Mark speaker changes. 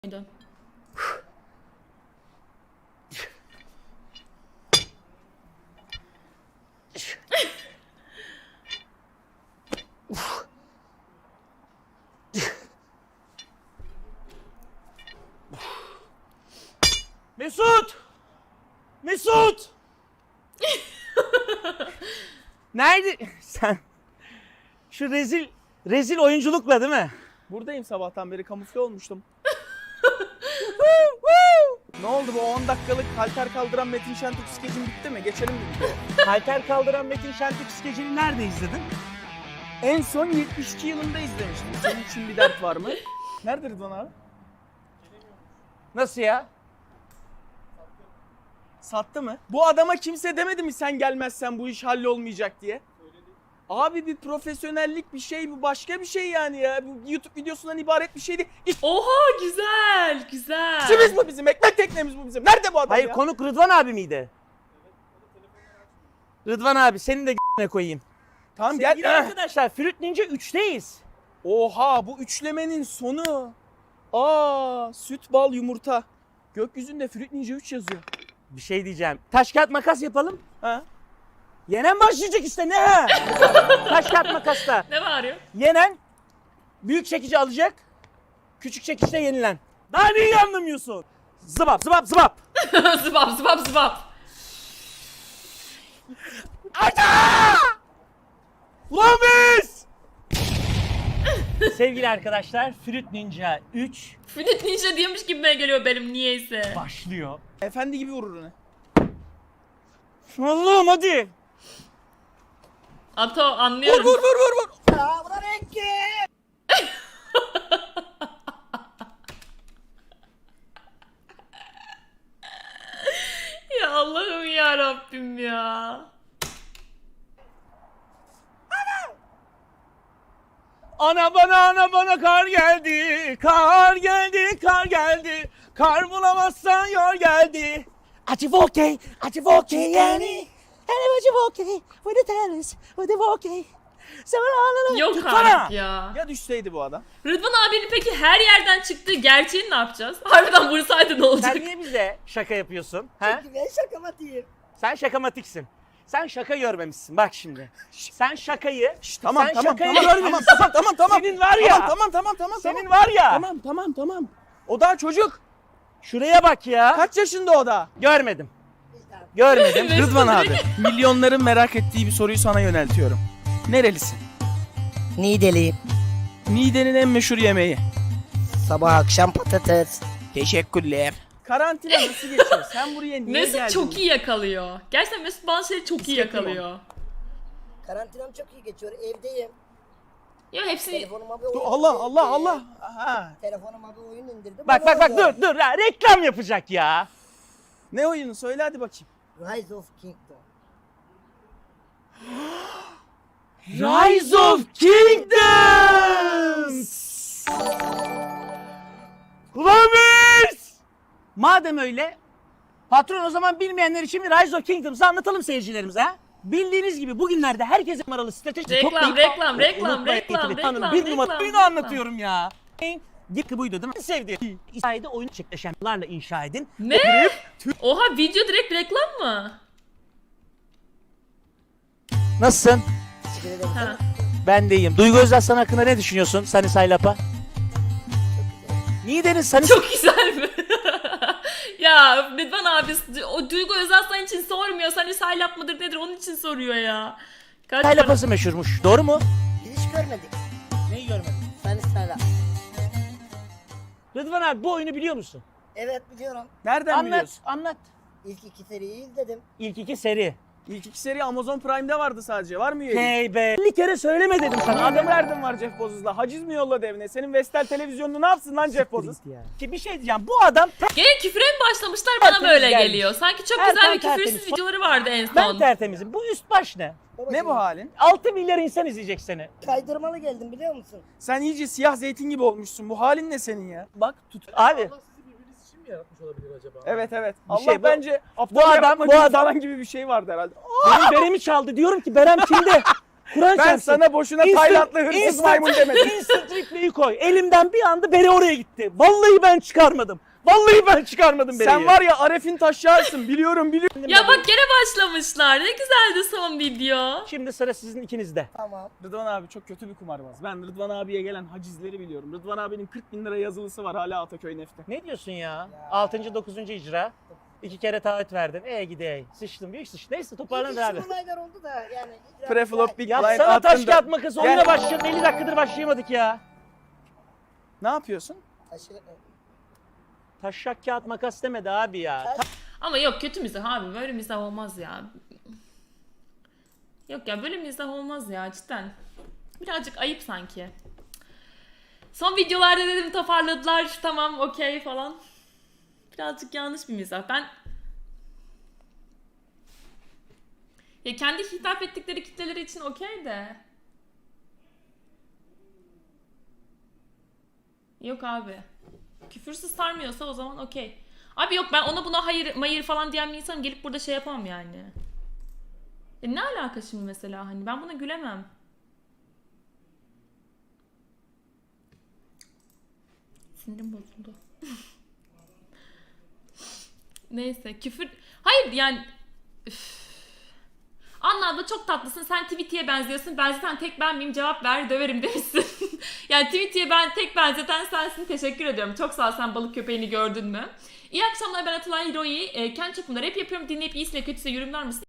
Speaker 1: muydu?
Speaker 2: Mesut! Mesut! Nerede? Sen şu rezil oyunculukla değil mi?
Speaker 3: Buradayım, sabahtan beri kamufle olmuştum. Ne oldu, bu 10 dakikalık halter kaldıran Metin Şentürk skecin bitti mi? Geçelim mi videoya?
Speaker 2: Halter kaldıran Metin Şentürk skecini nerede izledin?
Speaker 3: En son 72 yılında izlemiştim. Senin için bir dert var mı? Nerede Rıdvan abi?
Speaker 2: Nasıl ya?
Speaker 3: Sattı mı? Bu adama kimse demedi mi sen gelmezsen bu iş hallolmayacak diye? Abi bir profesyonellik bir şey, bu başka bir şey yani ya. Bu YouTube videosundan ibaret bir şey değil.
Speaker 1: Oha, güzel güzel.
Speaker 3: İşimiz bu bizim, ekmek teknemiz bu bizim. Nerede bu adam
Speaker 2: Hayır,
Speaker 3: ya?
Speaker 2: konuk Rıdvan abi miydi? Rıdvan abi, senin de g***ne koyayım.
Speaker 3: Tamam
Speaker 2: Sevgili
Speaker 3: gel.
Speaker 2: arkadaşlar, Fruit Ninja 3'teyiz.
Speaker 3: Oha, bu üçlemenin sonu. Aa, süt, bal, yumurta. Gökyüzünde Fruit Ninja 3 yazıyor.
Speaker 2: Bir şey diyeceğim. Taş kağıt makas yapalım.
Speaker 3: Ha?
Speaker 2: Yenen başlayacak işte, ne ha? Taş kağıt makasta.
Speaker 1: Ne bağırıyor?
Speaker 2: Yenen büyük çekici alacak. Küçük çekiçte yenilen. Daha neyi anlamıyorsun? Zıbap zıbap zıbap.
Speaker 1: Zıbap zıbap zıbap.
Speaker 2: Ulan biz! Sevgili arkadaşlar, Fruit Ninja 3
Speaker 1: Fruit Ninja diyormuş gibime geliyor benim niyeyse.
Speaker 2: başlıyor.
Speaker 3: Efendi gibi vurur onu.
Speaker 2: Allah'ım hadi.
Speaker 1: Ato, anlıyorum.
Speaker 3: Vur.
Speaker 1: Ya Allah'ım ya Rabbim ya.
Speaker 2: Ana bana kar geldi, kar geldi, kar geldi. Kar bulamazsan yar geldi. Acı voke yani. Hele acı voke, with the tennis, with the voke.
Speaker 1: Yok
Speaker 2: Tutsana.
Speaker 1: artık ya.
Speaker 3: Ya düşseydi bu adam?
Speaker 1: Rıdvan abinin peki her yerden çıktığı gerçeğini ne yapacağız? Harbiden vursaydı ne olacak?
Speaker 2: Sen niye bize şaka yapıyorsun? Ha?
Speaker 4: Ben şakamatiyim.
Speaker 2: Sen şakamatiksin. Sen şaka görmemişsin bak şimdi. Sen şakayı,
Speaker 3: Tamam
Speaker 2: sen
Speaker 3: tamam
Speaker 2: şakayı
Speaker 3: tamam,
Speaker 2: görmemişsin.
Speaker 3: tamam.
Speaker 2: Senin var ya.
Speaker 3: Tamam.
Speaker 2: Senin var ya.
Speaker 3: Tamam. O daha çocuk.
Speaker 2: Şuraya bak ya.
Speaker 3: Kaç yaşında o da?
Speaker 2: Görmedim. Görmedim.
Speaker 1: Mesut
Speaker 3: Rıdvan abi.
Speaker 1: direkt-
Speaker 3: Milyonların merak ettiği bir soruyu sana yöneltiyorum. Nerelisin?
Speaker 4: Niğdeliyim.
Speaker 3: Niğde'nin en meşhur yemeği.
Speaker 4: Sabah akşam patates.
Speaker 3: Teşekkürler. Karantina nasıl geçiyor? Sen buraya niye
Speaker 1: Mesut
Speaker 3: geldin?
Speaker 1: çok iyi yakalıyor. Gerçekten Mesut bazı şeyleri çok iyi
Speaker 3: Hissettim
Speaker 1: yakalıyor.
Speaker 4: Karantinam çok iyi geçiyor. Evdeyim.
Speaker 1: Ya hepsi
Speaker 4: Telefonuma bir oyun
Speaker 3: Dur, Allah. Aha.
Speaker 4: Telefonuma bir oyun indirdim.
Speaker 2: Bak
Speaker 4: Onu oynuyorum.
Speaker 2: dur ya, reklam yapacak ya.
Speaker 3: Ne oyunu? Söyle hadi bakayım.
Speaker 4: Rise of Kingdom.
Speaker 2: Rise of Kingdoms. Ulan biz! Madem öyle, patron o zaman bilmeyenler için bir Rise of Kingdoms'ı anlatalım seyircilerimize ha. Bildiğiniz gibi bugünlerde herkese numaralı strateji
Speaker 1: Reklam,
Speaker 2: toplayıp-
Speaker 1: reklam,
Speaker 2: Tanın, bir numara oyunu anlatıyorum ya. Gitti buydu değil mi? Sevdiğim. İsa'yı oyun çiftleşenlerle inşa edin.
Speaker 1: ne? Oha, video direkt reklam mı?
Speaker 2: Nasılsın?
Speaker 4: Teşekkür ederim.
Speaker 1: Ha.
Speaker 2: Ben de iyiyim. Duygu Özaslan hakkında ne düşünüyorsun Sunny Side Up'a? Niğde'nin Sunny
Speaker 1: Çok güzel mi? Ya Rıdvan abi o Duygu Özaslan için sormuyor. Hani saylap mıdır nedir onun için soruyor ya. Kaç
Speaker 2: Side
Speaker 1: para-
Speaker 2: Up'ası meşhurmuş. Doğru mu?
Speaker 4: Biz hiç görmedik.
Speaker 2: Neyi görmedin?
Speaker 4: Seni sana.
Speaker 2: Rıdvan abi, bu oyunu biliyor musun?
Speaker 4: Evet biliyorum.
Speaker 3: Nereden
Speaker 2: Anlat,
Speaker 3: biliyorsun?
Speaker 2: anlat.
Speaker 4: İlk iki seriyi izledim.
Speaker 2: İlk iki seri.
Speaker 3: İlk iki seri Amazon Prime'de vardı sadece. Var mı üyelik?
Speaker 2: Hey be. 50 kere söyleme dedim sana.
Speaker 3: Adam derdin var Jeff Bezos'la. Haciz mi yolladı evine? Senin Vestel televizyonunu ne yapsın lan Jeff Bezos?
Speaker 2: Ki bir şey diyeceğim. Bu adam
Speaker 1: Gene küfre mi başlamışlar bana
Speaker 2: Tertemiz
Speaker 1: böyle
Speaker 2: gelmiş.
Speaker 1: geliyor. Sanki çok
Speaker 2: Erken
Speaker 1: güzel bir
Speaker 2: tertemiz.
Speaker 1: küfürsüz videoları vardı en
Speaker 2: ben
Speaker 1: son.
Speaker 2: tertemizim. Bu üst baş ne?
Speaker 3: Ne bu halin?
Speaker 2: 6 milyar insan izleyecek seni.
Speaker 4: Kaydırmalı geldim biliyor musun?
Speaker 3: Sen iyice siyah zeytin gibi olmuşsun. Bu halin ne senin ya? Bak tut.
Speaker 2: Abi
Speaker 3: Evet.
Speaker 2: Bir
Speaker 3: Allah
Speaker 2: şey bu-
Speaker 3: bence
Speaker 2: bu adam-
Speaker 3: yapmacı
Speaker 2: bu adam-
Speaker 3: falan gibi bir şey vardı herhalde.
Speaker 2: benim beremi çaldı. Diyorum ki Berem kimde? Kur'an
Speaker 3: Ben
Speaker 2: çarpsın.
Speaker 3: sana boşuna Taylandlı hırsız maymun demedim.
Speaker 2: Instant replay'i koy. Elimden bir anda bere oraya gitti. Vallahi ben çıkarmadım. Vallahi ben çıkarmadım bereyi.
Speaker 3: Sen var ya Aref'in taşyarsın. Biliyorum.
Speaker 1: Ya bak gene başlamışlar. Ne güzeldi son video.
Speaker 2: Şimdi sıra sizin ikinizde.
Speaker 4: Tamam.
Speaker 3: Rıdvan abi çok kötü bir kumarbaz. Ben Rıdvan abiye gelen hacizleri biliyorum. Rıdvan abinin 40 bin lira yazılısı var hala Ataköy Neft'te.
Speaker 2: Ne diyorsun ya? 6. 9. icra. 2 kere taahhüt verdin. Gidey. Sıçtım. Büyük sıç. Neyse toparlanır abi.
Speaker 4: İlginç olaylar oldu da yani.
Speaker 3: Preflop Big Blind
Speaker 2: Yapsana taş
Speaker 3: attın da-
Speaker 2: kağıt makas. Oyuna
Speaker 3: Gel.
Speaker 2: başlayalım. 50 dakikadır başlayamadık ya.
Speaker 3: Ne yapıyorsun?
Speaker 2: Taşak kağıt makas demedi abi ya.
Speaker 1: Ama yok kötü mizah abi. Böyle mizah olmaz ya. Yok ya böyle mizah olmaz ya cidden. Birazcık ayıp sanki. Son videolarda dedim toparladılar. Tamam okey falan. Birazcık yanlış bir mizah. Ya kendi hitap ettikleri kitleleri için okey de. Yok abi. Küfürsüz sarmıyorsa o zaman okey. Abi yok ben ona buna hayır mayır falan diyen bir insanım gelip burada şey yapamam yani. Ne alaka şimdi mesela hani ben buna gülemem. Sinirim bozuldu. Neyse küfür... Hayır yani... Üf. Anla abla çok tatlısın. Sen Tweety'ye benziyorsun. Ben zaten tek ben miyim? Cevap ver döverim demişsin. Yani Tweety'ye ben tek benzeten sensin. Teşekkür ediyorum. Çok sağ ol sen balık köpeğini gördün mü? İyi akşamlar ben Atalay Hiroi. Kendi çapımda rap yapıyorum. Dinleyip iyisiyle kötüsüyle yorumlar mısın?